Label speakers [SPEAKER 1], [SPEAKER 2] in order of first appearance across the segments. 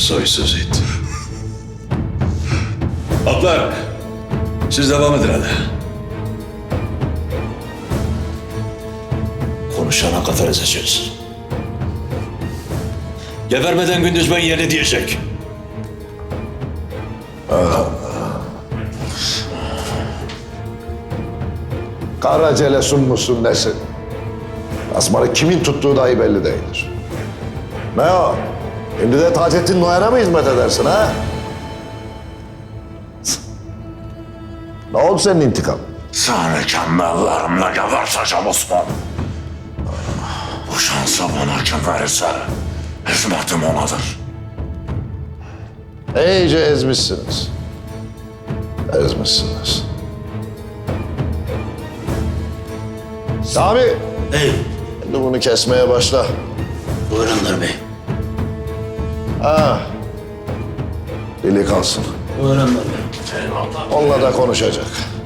[SPEAKER 1] Soysuz it. Atlar, siz devam edin hadi. Konuşana kadar ezeceğiz. Gebermeden gündüz ben yeni diyecek.
[SPEAKER 2] Karacelesun musun nesin? Asmarı kimin tuttuğu dahi belli değildir. Ne o? Şimdi de Taceddin Noyan'a mı hizmet edersin ha? Ne oldu senin intikam?
[SPEAKER 3] Seni kendi ellerimle geberteceğim Osman. Bu şansı bana kim verirse hizmetim onadır.
[SPEAKER 2] İyice ezmişsiniz. Ezmişsiniz. Sami!
[SPEAKER 4] Bey,
[SPEAKER 2] Şimdi bunu kesmeye başla.
[SPEAKER 4] buyurunlar bey.
[SPEAKER 2] Ha. Dili kalsın.
[SPEAKER 4] Buyurunlar bey.
[SPEAKER 3] Eyvallah.
[SPEAKER 2] Onunla da konuşacak.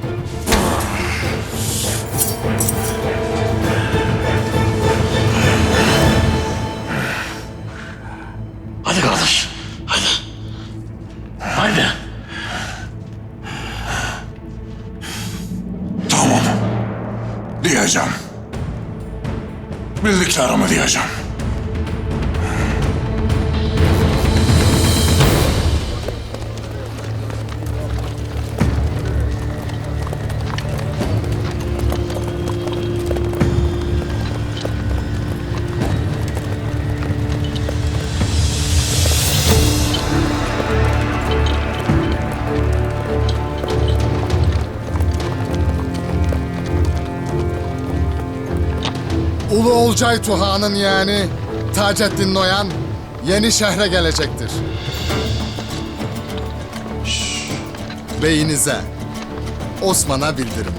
[SPEAKER 3] Hadi kardeş, hadi. Haydi. Tamam. Diyeceğim. Bildiklerimi diyeceğim.
[SPEAKER 5] Ulu Olcay Tuha'nın yani Taceddin Noyan yeni şehre gelecektir. Beyinize, Osman'a bildirim.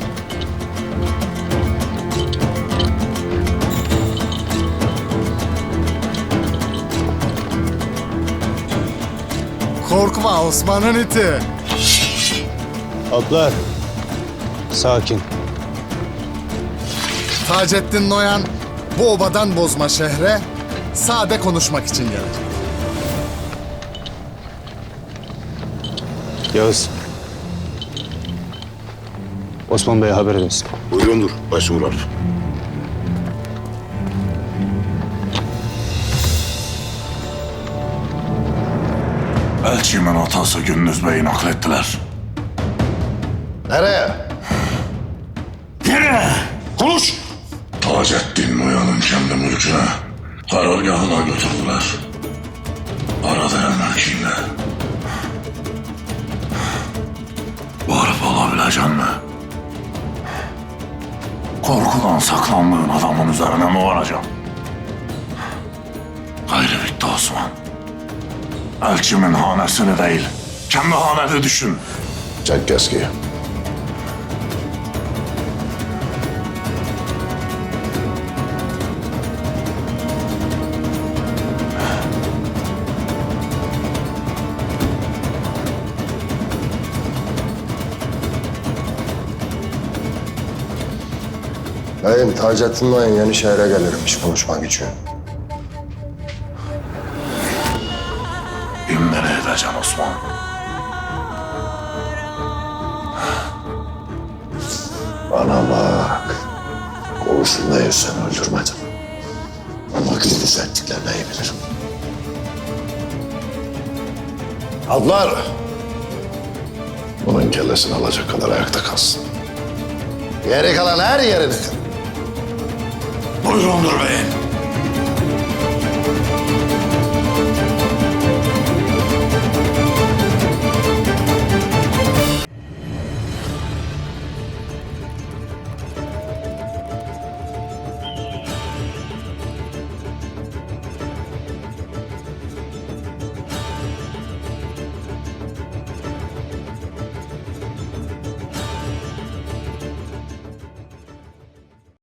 [SPEAKER 5] Korkma Osman'ın iti.
[SPEAKER 6] Atlar. Sakin.
[SPEAKER 5] Taceddin Noyan bu obadan bozma şehre sade konuşmak için gelecek.
[SPEAKER 6] Yağız. Osman Bey'e haber edesin.
[SPEAKER 7] Buyurundur başvurular.
[SPEAKER 3] Elçimin atası Gündüz Bey'i naklettiler.
[SPEAKER 2] Nereye?
[SPEAKER 3] Nereye?
[SPEAKER 7] Konuş!
[SPEAKER 3] Taceddin Noyan'ın kendi mülküne, karargahına götürdüler. Arada mülkünle. Varıp alabilecek mi? Korkudan saklandığın adamın üzerine mi varacağım? Gayrı bitti Osman. Elçimin hanesini değil, kendi haneni düşün.
[SPEAKER 2] Çek keskiyi.
[SPEAKER 8] Beyim, Taceddin Noyan yeni şehre gelirmiş konuşmak için.
[SPEAKER 3] İmmene edeceğim Osman.
[SPEAKER 2] Bana bak. Konusundayım seni öldürmedim. Ama Gündüz ettiklerini iyi bilirim. Ablar! Bunun kellesini alacak kadar ayakta kalsın. Geri kalan her yerini kır.
[SPEAKER 3] Buyurundur beyim.